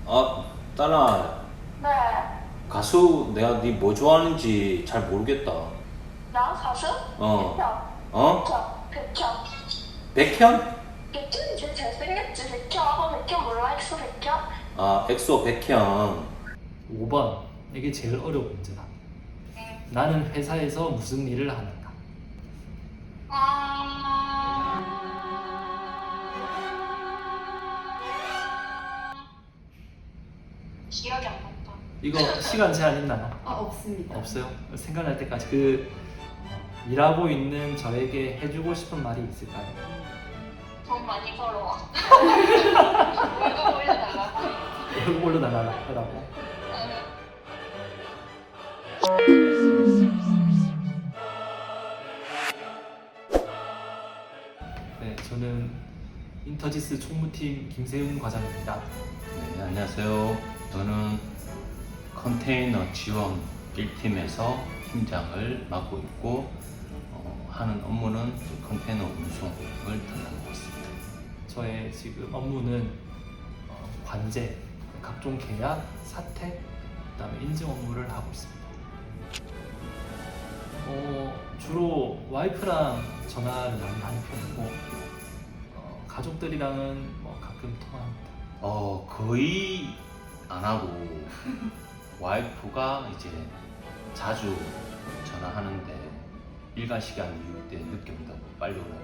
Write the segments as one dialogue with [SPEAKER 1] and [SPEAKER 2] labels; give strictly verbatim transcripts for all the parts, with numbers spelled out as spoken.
[SPEAKER 1] 아, 딸아,
[SPEAKER 2] 네.
[SPEAKER 1] 가수 내가 네 뭐 좋아하는지 잘 모르겠다.
[SPEAKER 2] 나 가수?
[SPEAKER 1] 어.
[SPEAKER 2] 백현.
[SPEAKER 1] 어?
[SPEAKER 2] 백현.
[SPEAKER 1] 백현?
[SPEAKER 2] 백현 이제 잘생겼지, 백현. 어, 백현 몰라? 엑소 백현?
[SPEAKER 1] 아, 엑소 백현.
[SPEAKER 3] 오 번. 이게 제일 어려운 문제다. 나는 회사에서 무슨 일을 하는가?
[SPEAKER 2] 기억이 안 난다.
[SPEAKER 3] 이거 시간 제한 있나요?
[SPEAKER 4] 아, 없습니다.
[SPEAKER 3] 없어요? 생각날 때까지 그 일하고 있는 저에게 해주고 싶은 말이 있을까요?
[SPEAKER 2] 돈 많이 벌어와. 월급 올려달라고.
[SPEAKER 3] 월급 올려달라고. 네, 저는 인터지스 총무팀 김세훈 과장입니다.
[SPEAKER 1] 네, 안녕하세요. 저는 컨테이너 지원 일 팀에서 팀장을 맡고 있고 어, 하는 업무는 컨테이너 운송을 담당하고 있습니다.
[SPEAKER 3] 저의 지금 업무는 어, 관제, 각종 계약, 사택, 그다음에 인증 업무를 하고 있습니다. 어, 주로 와이프랑 전화를 많이 하는 편이고 어, 가족들이랑은 뭐 가끔 통화합니다.
[SPEAKER 1] 어, 거의 안 하고 와이프가 이제 자주 전화하는데 일과 시간 이후 때 늦게 온다고 빨리 오라고.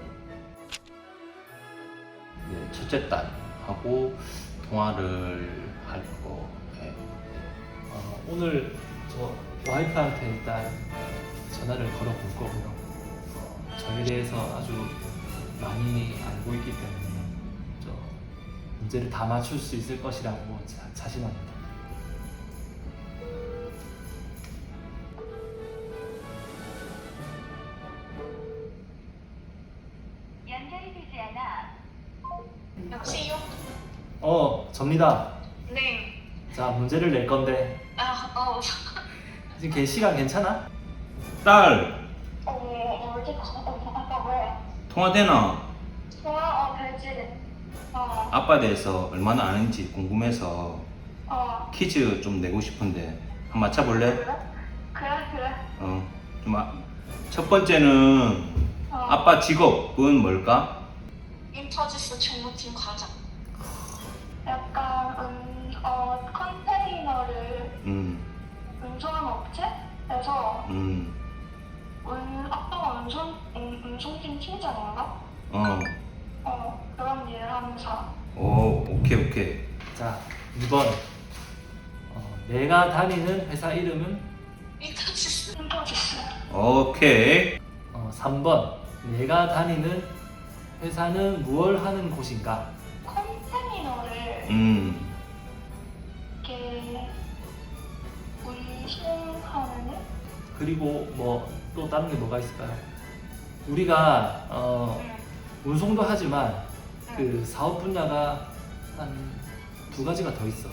[SPEAKER 1] 네, 첫째 딸하고 통화를 하려고 해.
[SPEAKER 3] 어, 오늘 저 와이프한테 일단 전화를 걸어 볼 거고요. 어, 저에 대해서 아주 많이 알고 있기 때문에 저 문제를 다 맞출 수 있을 것이라고 자, 자신합니다.
[SPEAKER 2] 연결이 되지 않아. 여보세요?
[SPEAKER 3] 어, 접니다.
[SPEAKER 2] 네.
[SPEAKER 3] 자, 문제를 낼 건데
[SPEAKER 2] 아, 어.
[SPEAKER 3] 지금 걔 시간 괜찮아?
[SPEAKER 1] 딸,
[SPEAKER 2] 어, 어디 가? 어, 아빠 왜?
[SPEAKER 1] 통화되나?
[SPEAKER 2] 좋아, 어, 되지. 어,
[SPEAKER 1] 아빠에 대해서 얼마나 아는지 궁금해서
[SPEAKER 2] 어.
[SPEAKER 1] 퀴즈 좀 내고 싶은데 한번 맞춰볼래?
[SPEAKER 2] 그래? 그래, 그래.
[SPEAKER 1] 어, 좀 아, 첫 번째는
[SPEAKER 2] 어.
[SPEAKER 1] 아빠 직업은 뭘까?
[SPEAKER 2] 인터지스 총무팀 과장. 약간 음, 어, 컨테이너를
[SPEAKER 1] 음,
[SPEAKER 2] 운송하는 업체에서
[SPEAKER 1] 음,
[SPEAKER 2] 운, 아빠가 운송, 운, 운송팀 팀장인가?
[SPEAKER 1] 어,
[SPEAKER 2] 어, 그런 일을 하면서.
[SPEAKER 1] 오, 오케이, 오케이.
[SPEAKER 3] 자, 이 번. 어, 내가 다니는 회사 이름은?
[SPEAKER 2] 인터지스. 인터지스.
[SPEAKER 1] 오케이.
[SPEAKER 3] 어, 삼 번. 내가 다니는 회사는 무얼 하는 곳인가?
[SPEAKER 2] 컨테이너를
[SPEAKER 1] 음,
[SPEAKER 2] 이렇게 운송하는 일?
[SPEAKER 3] 그리고 뭐 또 다른 게 뭐가 있을까요? 우리가 어,
[SPEAKER 2] 응.
[SPEAKER 3] 운송도 하지만
[SPEAKER 2] 응.
[SPEAKER 3] 그 사업 분야가 한 두 가지가 더 있어.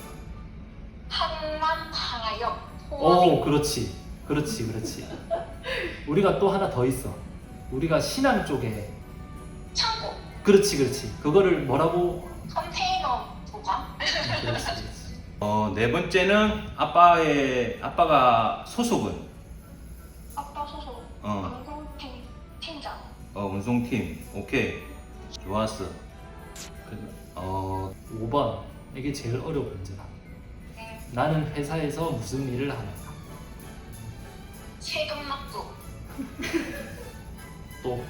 [SPEAKER 2] 한남하역.
[SPEAKER 3] 오, 그렇지, 그렇지, 그렇지. 우리가 또 하나 더 있어. 우리가 신안 쪽에.
[SPEAKER 2] 창고.
[SPEAKER 3] 그렇지, 그렇지. 그거를 뭐라고?
[SPEAKER 2] 컨테이너 보관.
[SPEAKER 3] 그렇지, 그렇지.
[SPEAKER 1] 어, 네 번째는 아빠의, 아빠가 소속은?
[SPEAKER 2] 아빠 소속.
[SPEAKER 1] 어,
[SPEAKER 2] 운송팀 팀장.
[SPEAKER 1] 어, 운송팀. 오케이. 좋았어. 그, 어,
[SPEAKER 3] 오 번. 이게 제일 어려운 문제다.
[SPEAKER 2] 응.
[SPEAKER 3] 나는 회사에서 무슨 일을 하는가?
[SPEAKER 2] 세금 납부.
[SPEAKER 3] 또?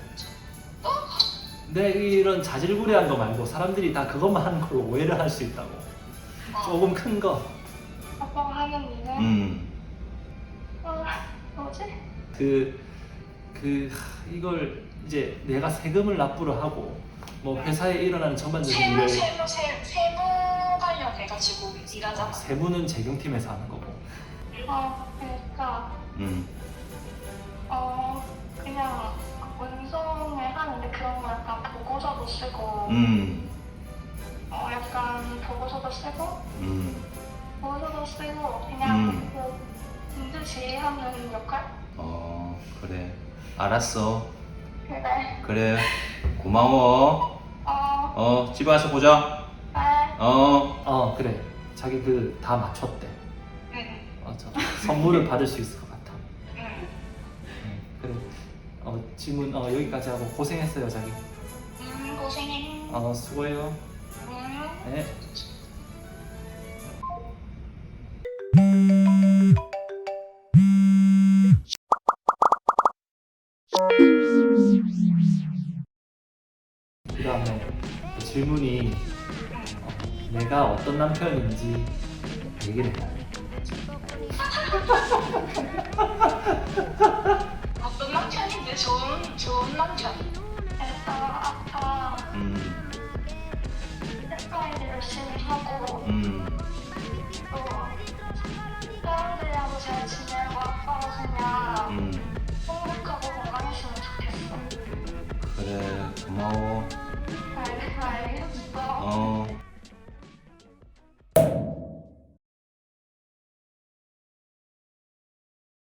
[SPEAKER 3] 내 이런 자질구레한 거 말고 사람들이 다 그것만 하는 걸로 오해를 할 수 있다고.
[SPEAKER 2] 어.
[SPEAKER 3] 조금 큰 거.
[SPEAKER 2] 아빠가 하는 일은
[SPEAKER 1] 음,
[SPEAKER 2] 어, 뭐지?
[SPEAKER 3] 그, 그, 하, 이걸 이제 내가 세금을 납부를 하고, 뭐 회사에 일어나는 전반적인
[SPEAKER 2] 세무
[SPEAKER 3] 일을,
[SPEAKER 2] 세무 세 세무 관련해가지고 일하잖아.
[SPEAKER 3] 세무는 재경팀에서 하는 거고.
[SPEAKER 2] 어, 그러니까
[SPEAKER 1] 음,
[SPEAKER 2] 어 그냥 운송을 하는데 그런 거 약간 보고서도 쓰고
[SPEAKER 1] 음,
[SPEAKER 2] 어 약간 보고서도 쓰고
[SPEAKER 1] 음,
[SPEAKER 2] 보고서도 쓰고 그냥
[SPEAKER 1] 음.
[SPEAKER 2] 그 문제 제기하는 역할?
[SPEAKER 1] 어, 그래. 알았어.
[SPEAKER 2] 그래.
[SPEAKER 1] 그래. 고마워.
[SPEAKER 2] 어,
[SPEAKER 1] 어, 집에 와서 보자.
[SPEAKER 2] 네.
[SPEAKER 1] 어.
[SPEAKER 3] 어, 그래. 자기 그 다 맞췄대.
[SPEAKER 2] 응.
[SPEAKER 3] 어, 저 선물을 받을 수 있을 것 같아.
[SPEAKER 2] 응.
[SPEAKER 3] 응, 그래. 어, 질문 어, 여기까지 하고 고생했어요, 자기.
[SPEAKER 2] 응, 고생해.
[SPEAKER 3] 어, 수고해요.
[SPEAKER 2] 응.
[SPEAKER 3] 네. 그 다음에 질문이 어, 내가 어떤 남편인지 얘기를 해야 돼.
[SPEAKER 2] 어떤 남편인데 좋은 좋은 남편. 일단 아빠
[SPEAKER 1] 음,
[SPEAKER 2] 회사일 열심히 하고
[SPEAKER 1] 음,